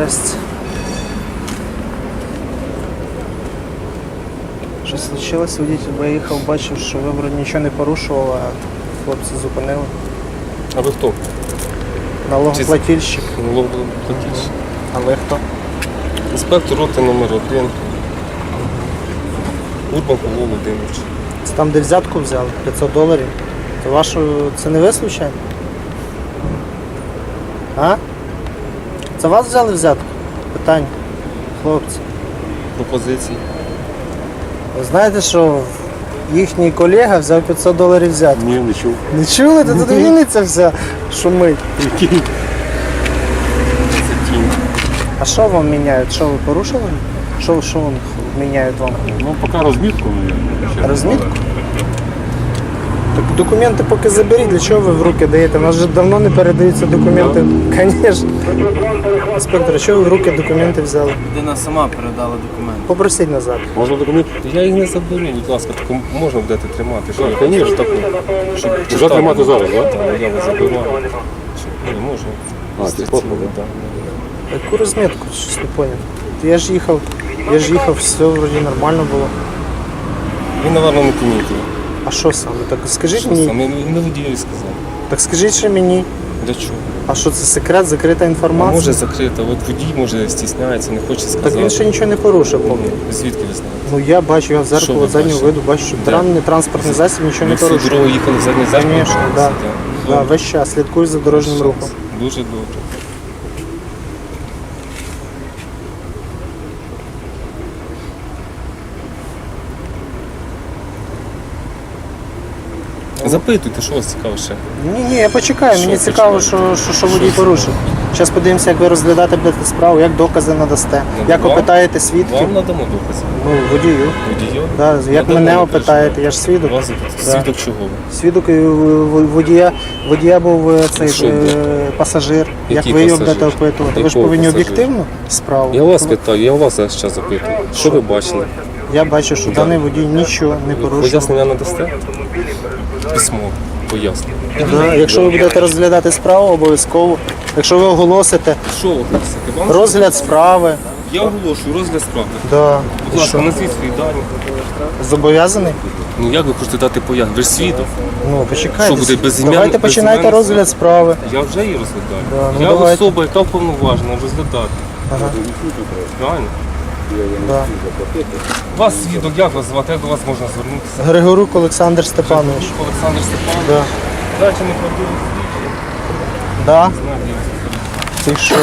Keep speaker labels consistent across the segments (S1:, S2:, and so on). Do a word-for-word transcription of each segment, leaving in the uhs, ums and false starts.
S1: Здрасте. Що случилось? Водитель виїхав, бачив, що ви вроді нічого не порушували, а хлопці зупинили.
S2: А ви хто?
S1: Налогоплательщик.
S2: Налогоплательщик.
S1: А ви хто?
S2: Інспектор роти номер один. Урбан Павло Володимирович.
S1: Це там, де взятку взяли, п'ятсот доларів. Це вашу, це не ви случайно? А? Це вас взяли взятку? Питання. Хлопці.
S2: Пропозиції.
S1: Ви знаєте, що їхній колега взяв п'ятсот доларів взятку?
S2: Ні, не чув.
S1: Не чули? Та тут Вінниця вся шумить.
S2: Який?
S1: А що вам міняють? Що ви порушили? Що, що вам міняють вам?
S3: Ну, поки розмітку. Ще
S1: Розмітку? Так документи поки заберіть, для чого ви в руки даєте? У нас вже давно не передаються документи. Звісно. Інспектор, чого ви в руки документи взяли?
S4: Людина сама передала документи.
S1: Попросіть назад.
S3: можна документ?
S2: Я їх не заберу, будь ласка, таку можна будете тримати. Що,
S3: Так, звісно, так.
S2: щоб
S3: Вже
S2: читати.
S3: тримати зараз, так?
S2: Так, я вас заберу. Ні, можна.
S3: А, це
S2: Цілий,
S3: копія,
S2: так.
S1: Яку розмітку? Щось не поняв. Я ж їхав, я ж їхав, все вроді нормально було.
S2: Він, напевно, не помітив.
S1: А що саме? Так скажіть
S2: Що
S1: мені.
S2: саме? Не водієві сказав.
S1: Так скажіть ще мені.
S2: Для чого?
S1: А що це секрет, закрита
S2: А
S1: інформація?
S2: може закрита, от водій може стісняється, не хоче сказати.
S1: Так він ще нічого не порушив, поки.
S2: Ну, звідки ви знаєте?
S1: Ну я бачу, я в
S2: Що
S1: зеркало
S2: ви
S1: заднього
S2: бачите?
S1: виду бачу, що
S2: Де?
S1: транний транспортний засіб нічого
S2: Ми
S1: не
S2: всю
S1: порушує.
S2: дорогу їхали в задній зеркало?
S1: Звісно, так. Да. Да, весь час слідкую за дорожнім рухом.
S2: Дуже добре. Запитуйте, що вас цікаво ще.
S1: Ні, ні, я почекаю, мені
S2: Що
S1: цікаво,
S2: почекаєте?
S1: що, що, що водій порушив. Зараз подивимося, як ви розглядати будете справу, як докази надасте,
S2: Ну,
S1: як
S2: вам-
S1: опитаєте свідків.
S2: Вам надамо докази.
S1: Ну, водію.
S2: Водію?
S1: Да, як
S2: Надамо,
S1: мене
S2: не
S1: опитаєте, я ж свідок.
S2: переживайте. Вас
S1: Да.
S2: свідок чого?
S1: Свідок е, в- водія, водія був е, цей
S2: Що
S1: е,
S2: був?
S1: пасажир. Як
S2: Який
S1: ви його
S2: пасажир?
S1: будете опитувати? Ви ж
S2: Якого
S1: повинні
S2: пасажира?
S1: об'єктивно справу.
S2: Я вас питаю, я вас зараз запитую. Що ви бачили?
S1: Я бачу, що даний водій нічого не порушив.
S2: Пояснення надасте? Письмо. Пояснення.
S1: Да, якщо ви будете розглядати справу, обов'язково. Якщо ви оголосите
S2: Що ви хочете? Вам
S1: розгляд справи,
S2: Я оголошую розгляд справи.
S1: да.
S2: Будь ласка, назвіть свої дані.
S1: Зобов'язаний?
S2: Ну як ви хочете дати пояснення? Ви ж свідок.
S1: Ну, почекайте.
S2: Що буде, безім'ян-
S1: Давайте починайте
S2: безім'янний
S1: розгляд справи.
S2: Я вже її розглядаю.
S1: Да, ну
S2: я
S1: давайте.
S2: особа, яка вповноважена розглядати.
S1: Ага.
S2: Правильно?
S1: Да.
S2: Вас свідок, як вас звати, як до вас можна звернутися?
S1: Григорук Олександр Степанович.
S2: Олександр Степанович.
S1: Да.
S2: Дайте не правдиву
S1: Да.
S2: свідчення.
S1: Ти що?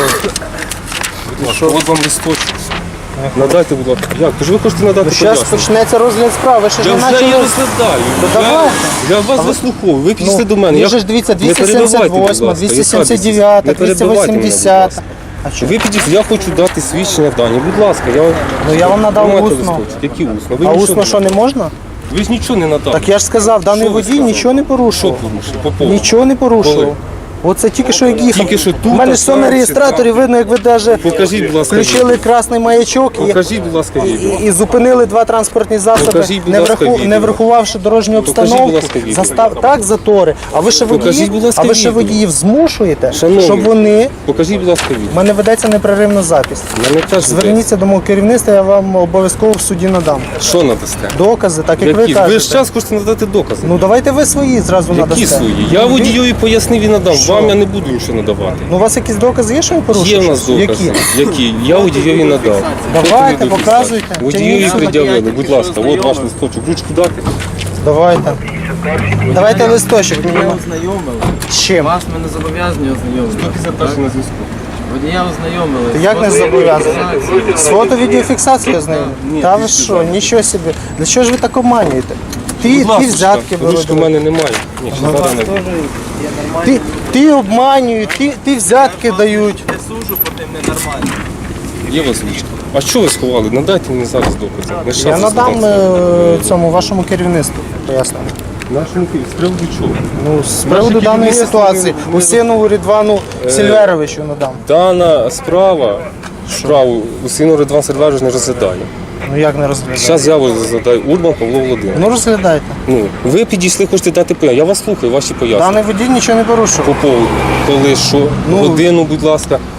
S2: Будь ласка, от вам листочок. Надайте, будь ласка. Як? Тож ви хочете надати
S1: Зараз
S2: пояснення?
S1: почнеться розгляд справи. Ви ще ж
S2: Я
S1: не
S2: вже її
S1: почали.
S2: розглядаю.
S1: То
S2: Я-
S1: давайте.
S2: Я вас вислуховую. Ви підійшли до мене.
S1: Ну,
S2: Я-
S1: же ж дивіться,
S2: Не перебивайте, будь
S1: двісті сімдесят восьма,
S2: ласка.
S1: двісті
S2: Яка
S1: сімдесят дев'ята,
S2: Не перебивайте мене, будь
S1: двісті
S2: ласка.
S1: вісімдесята. А що?
S2: Ви підійшли, я хочу дати свідчення дані. Будь ласка, я...
S1: Ну, я вам надав
S2: Тримайте
S1: усно.
S2: листочок. Які усно? Ви
S1: А
S2: нічого
S1: усно що не можна?
S2: Ви ж нічого не надали.
S1: Так я ж сказав, даний
S2: Що ви
S1: водій
S2: сказали?
S1: нічого не
S2: Що
S1: порушував.
S2: порушив? По поводу?
S1: Нічого не порушував.
S2: Коли?
S1: Оце тільки що як їхав.
S2: Тільки що тут,
S1: У мене
S2: а
S1: ж все на
S2: там,
S1: реєстраторі
S2: чи там?
S1: видно, як ви навіть
S2: Покажіть, будь ласка,
S1: включили красний маячок і,
S2: Покажіть, будь ласка,
S1: і,
S2: відео.
S1: і зупинили два транспортні засоби,
S2: Покажіть, будь
S1: не,
S2: ласка,
S1: враху-
S2: відео.
S1: не врахувавши дорожню
S2: Покажіть,
S1: обстановку.
S2: будь ласка, відео.
S1: Застав... Так, затори. А ви ще
S2: Покажіть,
S1: водіїв,
S2: будь ласка,
S1: а ви ще
S2: відео.
S1: водіїв змушуєте,
S2: Шановні.
S1: щоб вони...
S2: Покажіть, будь ласка, відео.
S1: У мене ведеться непреривна запись.
S2: Мене теж
S1: Зверніться до мого керівництва, я вам обов'язково в суді надам.
S2: йдеться. Що надасте?
S1: Докази, так як
S2: Які?
S1: ви
S2: Ви
S1: кажете.
S2: ж час хочете надати докази.
S1: Ну давайте ви свої зразу
S2: Які
S1: надасте.
S2: свої? Я
S1: Ну, ви-
S2: водійові пояснив і надав.
S1: Що?
S2: Вам я не буду нічого надавати.
S1: Ну у вас якісь докази є, що він порушив?
S2: Є в нас
S1: щось?
S2: докази.
S1: Які?
S2: Які? Я водійові надав.
S1: Давайте,
S2: Фото-відеофіксація.
S1: показуйте.
S2: Водійові
S1: Тягніть.
S2: пред'явили. Будь ласка, от ваш листочок. Ручку дати.
S1: Давайте. Давайте листочок.
S4: Водія ознайомили.
S1: З чим?
S4: Вас ми не зобов'язані ознайомити.
S2: Після першого на зв'язку.
S4: Водія ознайомили.
S1: Ти як не зобов'язаний? З фото-відеофіксацією з ним?
S2: Ні,
S1: Та ви
S2: після
S1: що,
S2: запиту.
S1: нічого собі. Для чого ж ви так обманюєте? Ти,
S2: Будь
S1: ти
S2: ласка,
S1: взятки
S2: ручки в
S1: беруть.
S2: мене немає. Ні, ще зараз не буде.
S1: Ти, ти обманюють, ти, ти взятки дають.
S4: Не сужу по тим ненормальним.
S2: Є у вас ручка? А що ви сховали? Надайте мені зараз докази. Не
S1: Я
S2: щас
S1: надам
S2: розглядати.
S1: е, цьому вашому керівництву пояснення.
S2: Нашому Києві. З приводу чого?
S1: Ну, з приводу
S2: Наші
S1: даної
S2: керівництво
S1: ситуації,
S2: ми- ми-
S1: Усінову Рідвану Сільверовичу надам.
S2: Дана справа, справу Усіну Ридван Сильверович не розглядає.
S1: Ну як не розглядати?
S2: Зараз я вас розглядаю. Урбан Павло Володимирович.
S1: Ну розглядайте.
S2: Ну, ви підійшли, хочете дати пояснення. Я вас слухаю, ваші пояснення.
S1: Даний водій нічого не порушив.
S2: По поводу, коли, що,
S1: Ну,
S2: годину, будь ласка.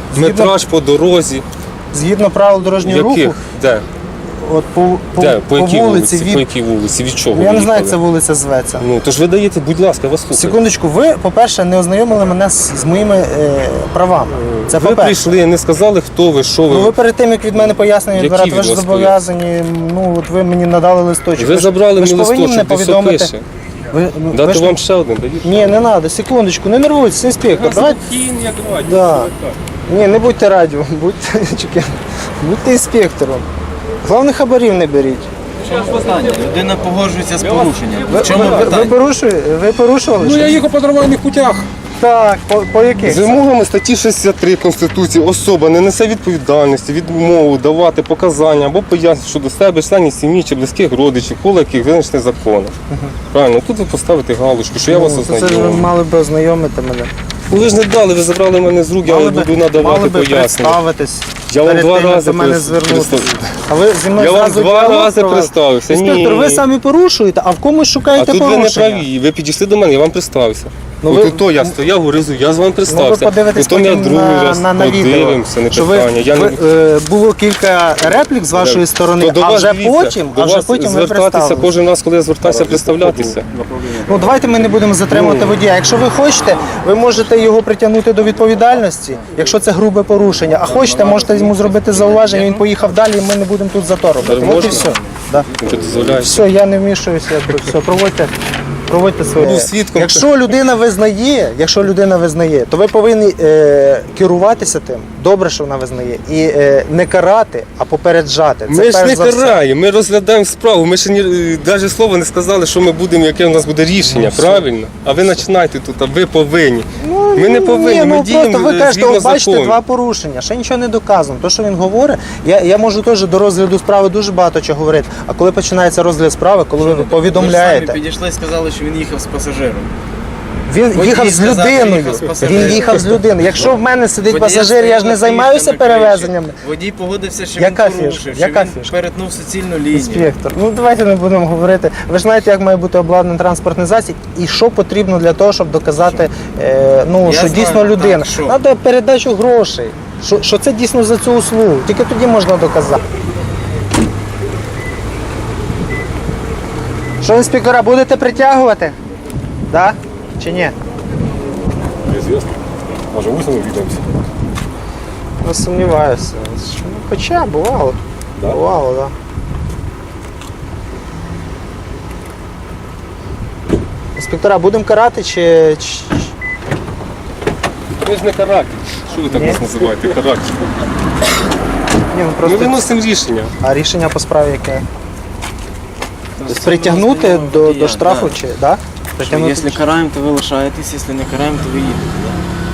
S1: Згідно,
S2: Метраж по дорозі.
S1: згідно правил дорожнього
S2: Яких?
S1: руху,
S2: Де?
S1: от по, по,
S2: Де? По
S1: по
S2: якій
S1: вулиці,
S2: вулиці?
S1: від...
S2: По якій вулиці? Від чого?
S1: Я
S2: ви
S1: не знаю, як
S2: їхали?
S1: ця вулиця зветься.
S2: Ну, то ж ви даєте, будь ласка, я вас слухаю.
S1: Секундочку, ви, по-перше, не ознайомили мене з, з моїми е, правами. Це
S2: Ви
S1: по-перше.
S2: прийшли, не сказали, хто ви, що ви.
S1: Ну, ви перед тим, як від мене пояснення
S2: Які
S1: відбирати, ви
S2: від
S1: ж
S2: вас
S1: зобов'язані, ну, от ви мені надали листочок.
S2: Ви
S1: ж-
S2: забрали
S1: ви ж
S2: мені
S1: повинні
S2: листочок,
S1: мене
S2: де все
S1: повідомити.
S2: пише.
S1: Ви, ну, ви
S2: Дати
S1: ж-
S2: вам ще один, дають?
S1: Ні, не треба, секундочку, не нервуйтесь, інспектор. Давайте.
S2: як
S1: Да. Ні, не будьте радіо, будьте, чекай, будьте інспектором. Головне, хабарів не беріть.
S4: В чому питання? Людина погоджується з порушенням.
S1: Ви,
S4: В чому
S1: ви, ви,
S4: питання?
S1: порушує, ви порушували?
S2: Ну, я
S1: щось?
S2: їхав по нормальних путях.
S1: Так, по, по яких?
S2: З вимогами статті шістдесят три Конституції особа не несе відповідальності, відмову давати показання або пояснення щодо себе, членів сім'ї чи близьких родичів, коло яких визначений законом. Правильно, тут ви поставите галочку, що я вас
S1: Ну, то це ж ви
S2: ознайомив.
S1: мали би ознайомити мене.
S2: Ну, ви ж не дали, ви забрали мене з рук, я
S1: Мали
S2: вам
S1: би,
S2: буду
S1: мали
S2: надавати
S1: би
S2: пояснення.
S1: представитись.
S2: Я вам
S1: перед
S2: два
S1: тим, як
S2: рази
S1: до мене
S2: прис-
S1: звернутися.
S2: представ-
S1: А ви зі мною
S2: Я вам
S1: зразу
S2: два
S1: діалог
S2: рази
S1: провели?
S2: представився.
S1: Інспектор,
S2: Ні.
S1: ви самі порушуєте, а в комусь
S2: А
S1: шукаєте
S2: тут ви не
S1: порушення.
S2: праві, ви підійшли до мене, я вам представився.
S1: Ну,
S2: Ну,
S1: ви-
S2: ви... то я стояв, говорив, я з вами
S1: Ну, ви
S2: представився.
S1: подивитесь
S2: Потім я
S1: потім
S2: другий
S1: на,
S2: раз
S1: на, на відео,
S2: подивимося, не
S1: що ви,
S2: питання. Я
S1: ви,
S2: не...
S1: е, було кілька реплік з вашої сторони,
S2: То до
S1: а
S2: вас,
S1: вже
S2: дивіться,
S1: потім,
S2: до
S1: а вже
S2: вас
S1: потім ви
S2: звертатися
S1: представились.
S2: кожен раз, коли я звертаюся, представлятися.
S1: Ну, давайте ми не будемо затримувати водія. Якщо ви хочете, ви можете його притягнути до відповідальності, якщо це грубе порушення. А хочете, можете йому зробити зауваження, він поїхав далі, і ми не будемо тут зато робити.
S2: Так
S1: От і
S2: можна?
S1: все. Да.
S2: Що дозволяєш?
S1: Все, я не вмішуюся, якби все, проводьте. Проводьте своє.
S2: Був свідком.
S1: Якщо людина визнає, якщо людина визнає, то ви повинні е, керуватися тим. Добре, що вона визнає, і е, не карати, а попереджати. Це
S2: Ми ж
S1: перш
S2: не
S1: за все.
S2: караємо, ми розглядаємо справу. Ми ще ні, навіть слова не сказали, що ми будемо, яке у нас буде рішення, правильно? А ви починаєте тут, а ви повинні. Ми не повинні,
S1: Ні,
S2: ми
S1: ну,
S2: діємо
S1: просто ви
S2: е,
S1: кажете,
S2: згідно
S1: от бачите,
S2: закону.
S1: два порушення, ще нічого не доказано. То, що він говорить, я, я можу теж до розгляду справи дуже багато чого говорити. А коли починається розгляд справи, коли ви
S4: Ви ж
S1: повідомляєте,
S4: самі підійшли і сказали, що він їхав з пасажиром.
S1: він
S4: Водій
S1: їхав з
S4: сказав, що
S1: людиною.
S4: їхав з пасажиром.
S1: Він їхав з людиною. Якщо в мене сидить
S4: Водія
S1: пасажир, я ж не
S4: стояла
S1: займаюся
S4: фішка на
S1: перевезеннями.
S4: криші. Водій погодився, що
S1: Яка
S4: він
S1: фішка?
S4: порушив, що
S1: Яка
S4: він
S1: фішка?
S4: перетнув суцільну лінію.
S1: Інспектор, ну давайте не будемо говорити. Ви ж знаєте, як має бути обладнаний транспортний засіб і що потрібно для того, щоб доказати, е, ну,
S4: Я
S1: що
S4: знаю,
S1: дійсно
S4: так,
S1: людина.
S4: що?
S1: Треба передачу грошей. Що, що це дійсно за цю услугу. Тільки тоді можна доказати. Що, інспектора, будете притягувати? Да? Чи ні?
S3: Неизвестно. Може, висновок увидимся.
S1: Не сумніваюся. Ну, хоча бувало.
S3: Да?
S1: Бувало, так. Да. Інспектора, будемо карати чи. чи-
S2: Ми ж не каратель. Що ви так
S1: Ні.
S2: нас називаєте? Каратель.
S1: Ні, ну
S2: Ми
S1: просто.
S2: виносимо рішення.
S1: А рішення по справі яке? Тобто притягнути до, до штрафу чи. Да?
S4: Що,
S1: Притягнути.
S4: Якщо караємо, то ви лишаєтесь, якщо не караємо, то ви їдете.